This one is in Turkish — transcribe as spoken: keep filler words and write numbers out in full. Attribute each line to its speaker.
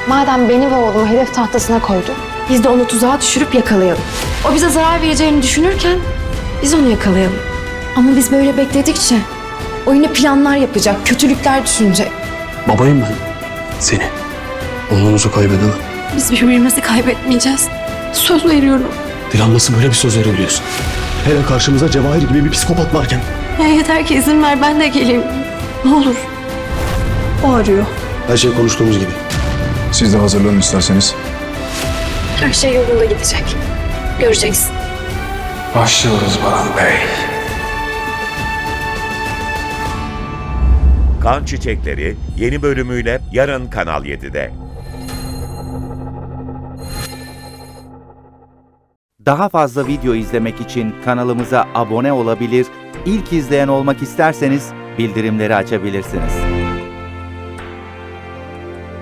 Speaker 1: Madem beni ve oğlumu hedef tahtasına koydu, biz de onu tuzağa düşürüp yakalayalım. O bize zarar vereceğini düşünürken biz onu yakalayalım. Ama biz böyle bekledikçe o yine planlar yapacak, kötülükler düşünecek.
Speaker 2: Babayım ben. Seni. Oğlunuzu kaybedemem.
Speaker 1: Biz birbirimizi kaybetmeyeceğiz. Söz veriyorum.
Speaker 2: Dilan nasıl böyle bir söz verebiliyorsun? Hele karşımıza Cevahir gibi bir psikopat varken.
Speaker 1: Ya yeter ki izin ver, ben de geleyim. Ne olur. O arıyor.
Speaker 2: Her şey konuştuğumuz gibi.
Speaker 3: Siz de hazırlanın isterseniz.
Speaker 1: Her şey yolunda gidecek. Göreceksin.
Speaker 3: Başlıyoruz Baran Bey.
Speaker 4: Kan Çiçekleri yeni bölümüyle yarın Kanal yedide.
Speaker 5: Daha fazla video izlemek için kanalımıza abone olabilir, ilk izleyen olmak isterseniz bildirimleri açabilirsiniz.